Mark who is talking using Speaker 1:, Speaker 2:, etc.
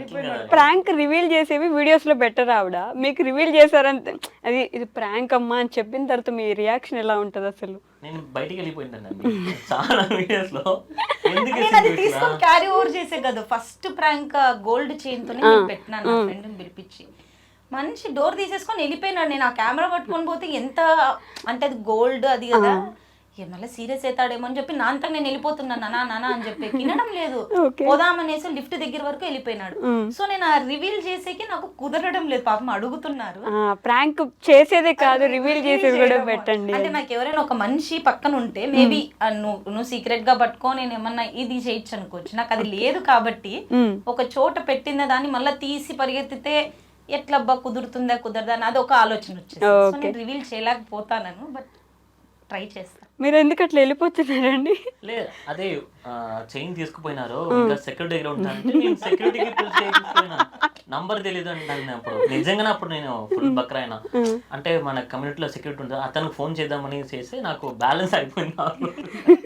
Speaker 1: Prank reveal చేసేవి videos లో better ఆవిడ, మీకు రివీల్ చేశారంటే అది ఇది ప్రాంక్ అమ్మా అని చెప్పిన తర్వాత మీ రియాక్షన్ ఎలా ఉంటది అసలు?
Speaker 2: నేను బయటికి వెళ్ళిపోయిందండి చాలా వీడియోస్ లో. ఎందుకు
Speaker 3: నేను అది తీసుకొని క్యారీ ఓవర్ చేసే కదా. ఫస్ట్ ప్రాంక్ గోల్డ్ చైన్ తోనే నేను పెట్టినాను నా ఫ్రెండ్ని పిలిపించి. మనిషి డోర్ తీసేసుకొని వెళ్ళిపోయినాడు. నేను ఆ కెమెరా పట్టుకొని పోతే ఎంత అంటే అది గోల్డ్ అది కదా, మళ్ళీ సీరియస్ అవుతాడేమో అని చెప్పి నా అంతా నేను వెళ్ళిపోతున్నాను నానా అని చెప్పి వినడం లేదు. పోదామనేసి లిఫ్ట్ దగ్గర వరకు వెళ్ళిపోయినాడు. సో నేను ఆ రివీల్ చేసేకి నాకు కుదరడం లేదు. పాపం అడుగుతున్నారు.
Speaker 1: ప్రాంక్ చేసేదే కాదు రివీల్ చేసేది కూడా పెట్టండి.
Speaker 3: అంటే నాకు ఎవరైనా ఒక మనిషి పక్కన ఉంటే మేబీ నువ్వు సీక్రెట్ గా పట్టుకో నేను ఏమన్నా ఇది చేయొచ్చు అనుకోవచ్చు. నాకు అది లేదు కాబట్టి ఒక చోట పెట్టిన దాన్ని మళ్ళీ తీసి పరిగెత్తితే ఎట్లబ్బా కుదురుతుందా కుదరదా అని అది ఒక ఆలోచన వచ్చేసి సో నేను రివీల్ చేయలేకపోతాను. బట్ ట్రై చేస్తాను.
Speaker 1: మీరు ఎందుకు అట్లా వెళ్ళిపోతున్నారండి?
Speaker 2: లేదు అదే చైన్ తీసుకుపోయినారు, ఇంకా సెక్యూరిటీ దగ్గర ఉంటానంటే నేను సెక్యూరిటీకి తీసుకుపోయినా. నంబర్ తెలియదు అంటే అప్పుడు నిజంగానే అప్పుడు నేను ఫుల్ బక్రా అయినా. అంటే మన కమ్యూనిటీలో సెక్యూరిటీ ఉంటుంది, అతనికి ఫోన్ చేద్దామని చేసి నాకు బ్యాలెన్స్ అయిపోయింది.